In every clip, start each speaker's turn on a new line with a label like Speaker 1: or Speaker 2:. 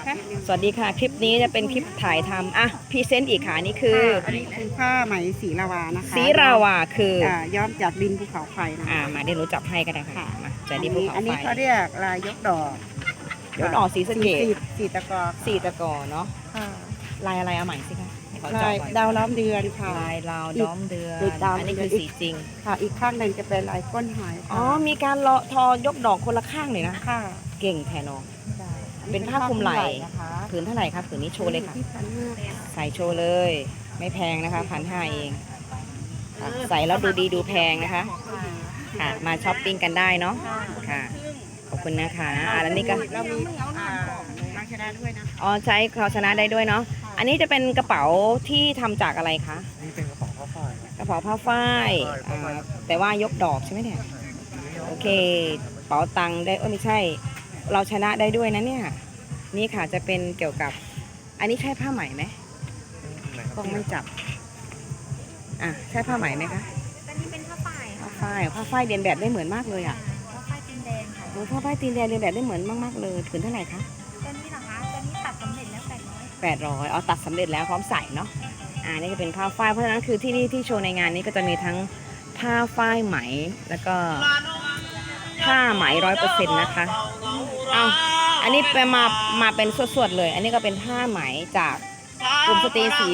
Speaker 1: สวัสดีค่ะคลิปนี้จะเป็นคลิปถ่ายทำพรีเซนต์อีกค่ะนี่คือ
Speaker 2: อันนี้คือผ้าไหมสีลาวานะคะ
Speaker 1: สีราวาคือ
Speaker 2: ย้อมจากดินภูเขาไฟนะคะ
Speaker 1: มาเดี๋ยวหนูจับให้ก็ได้ค่ะมาจากดินภูเขาไฟ
Speaker 2: อันนี้เขาเรียกลายยกดอก
Speaker 1: ยกดอกสีสะเกต
Speaker 2: สีตะกอ
Speaker 1: เนาะลายอะไรเอาใหม่สิคะ
Speaker 2: ลายดาวล้อมเดือนค่ะ
Speaker 1: ลายดาวล้อมเดือนอันนี้คือสีจริง
Speaker 2: ค่ะอีกข้างหนึ่งจะเป็นลายก้นหอย
Speaker 1: มีการทอยกดอกคนละข้างเลยนะ
Speaker 2: ค่ะ
Speaker 1: เก่งแทนน้องเป็นผ้าคลุมไหล่ผืนเท่าไหร่คะผืนนี้โชว์เลยค่ะใส่โชว์เลยไม่แพงนะคะ1,500เองใส่แล้วดูดีดูแพงนะคะค่ะมาช้อปปิ้งกันได้เนาะค่ะขอบคุณนะคะแล้วนี่ก็
Speaker 2: เรามีภาชนะด้วยนะ
Speaker 1: ใช้ภาชนะได้ด้วยเนาะอันนี้จะเป็นกระเป๋าที่ทำจากอะไรคะ
Speaker 3: นี่เป็นกระเป๋าผ้าฝ้าย
Speaker 1: กระเป๋าผ้าฝ้ายแต่ว่ายกดอกใช่ไหมเนี่ยโอเคเป๋าตังค์ได้ไม่ใช่เราชนะได้ด้วยนะเนี่ยนี่ค่ะจะเป็นเกี่ยวกับอันนี้ใช่ผ้าไหมไหมต้องไม่จับใช่ผ้าไหมไหมคะ
Speaker 4: อันนี้เป็นผ้าฝ้าย
Speaker 1: ผ้าฝ้ายเรียนแบบได้เหมือนมากเลย
Speaker 4: ผ้าฝ้ายตีนแดงค่ะ
Speaker 1: ผ้าฝ้ายตีนแดงเรียนแบบได้เหมือนมากๆเลยผืนเท่าไหร่คะ
Speaker 4: ตัวนี้เหรอคะตัวนี้ตัดสำเร็จแล้ว
Speaker 1: 800เอาตัดสำเร็จแล้วพร้อมใส่เนาะนี่จะเป็นผ้าฝ้ายเพราะฉะนั้นคือที่นี่ที่โชว์ในงานนี้ก็จะมีทั้งผ้าฝ้ายไหมแล้วก็ผ้าไหม100%นะคะอันนี้ไปมาเป็นสวดๆเลย อันนี้ก็เป็นผ้าไหมจากกลุ่มสตรีสี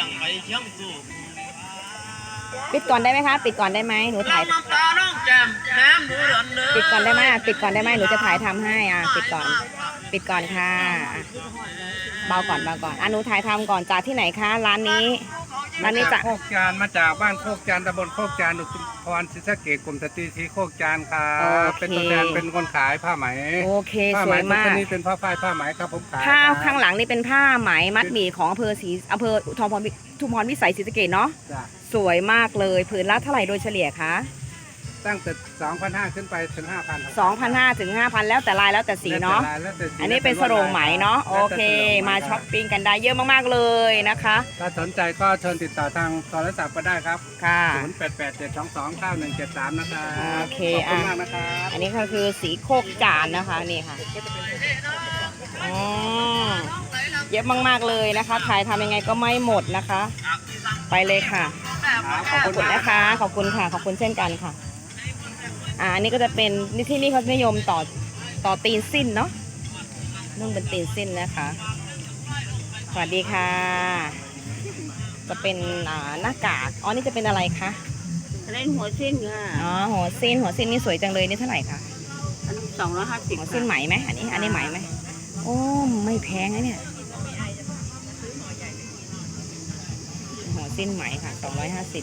Speaker 1: ปิดก่อนได้ไหมคะปิดก่อนได้ไหมหนูถ่ายปิดก่อนได้ไหมปิดก่อนได้ไหมหนูจะถ่ายทำให้ปิดก่อนค่ะเบาก่อนหนูถ่ายทำก่อนจากที่ไหนคะร้านนี้
Speaker 3: จากโคกจานมาจากบ้านโคกจานตำบลโคกจานอุทุมพรศรีสะเกษกลุ่มสตรีสีโคกจานค่ะเป็นตัวแทนเป็นคนขายผ้าไหม
Speaker 1: โอเคสวยมาก
Speaker 3: นี่เป็นผ้าฝ้ายผ้าไหมครับผมขาย
Speaker 1: ผ้าข้างหลังนี่เป็นผ้าไหมมัดหมี่ของอำเภออุทุมพรวิสัยศรีสะเกษเนาะสวยมากเลยผืนละเท่าไหร่โดยเฉลี่ยคะ
Speaker 3: ตั้งแต่ 2,500 ขึ้นไปถึง 5,000
Speaker 1: 2,500 ถึง 5,000แล้วแต่ลายแล้วแต่สีเนาะอันนี้เป็นสโรงไหมเนาะโอเคมาช้อปปิ้งกันได้เยอะมากๆเลยนะคะ
Speaker 3: ถ้าสนใจก็เชิญติดต่อทางโทรศัพท์ก็ได้ครับ
Speaker 1: ค่ะ
Speaker 3: 0887229173นะคะ
Speaker 1: โอเค
Speaker 3: ขอบคุณมากนะครับ
Speaker 1: อันนี้ก็คือสีโคกจานนะคะนี่ค่ะเยอะมากๆเลยนะคะถ่ายทำยังไงก็ไม่หมดนะคะไปเลยค่ะขอบคุณนะคะขอบคุณค่ะขอบคุณเช่นกันค่ะอันนี้ก็จะเป็นที่นี่เขานิยมต่อตีนสิ้นเนาะนุ่งเป็นตีนสิ้นนะคะสวัสดีค่ะจะเป็นหน้ากากนี่จะเป็นอะไรคะ
Speaker 2: เล่นหัวสิ้นค่ะ
Speaker 1: หัวสิ้นนี่สวยจังเลยนี่เท่าไหร่คะ
Speaker 2: อันนี้250
Speaker 1: หัวสิ้นไหมไหมอันนี้ไหมไหมโอ้ไม่แพงนะเนี่ยหัวสิ้นไหมค่ะ250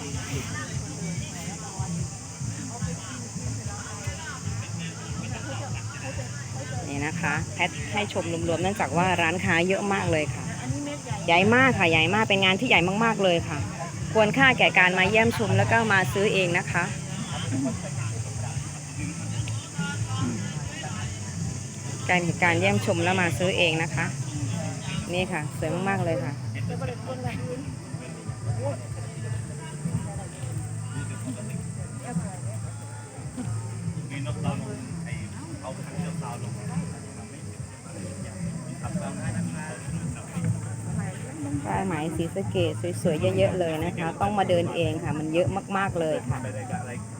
Speaker 1: นี่นะคะแพทให้ชมรวมๆเนื่องจากว่าร้านค้าเยอะมากเลยค่ะใหญ่มากค่ะใหญ่มากเป็นงานที่ใหญ่มากๆเลยค่ะควรค่าแก่การมาเยี่ยมชมแล้วก็มาซื้อเองนะคะการเยี่ยมชมแล้วมาซื้อเองนะคะนี่ค่ะสวยมากๆเลยค่ะผ้าไหมสีสะเกษสวยๆเยอะๆเลยนะคะต้องมาเดินเองค่ะมันเยอะมากๆเลยค่ะ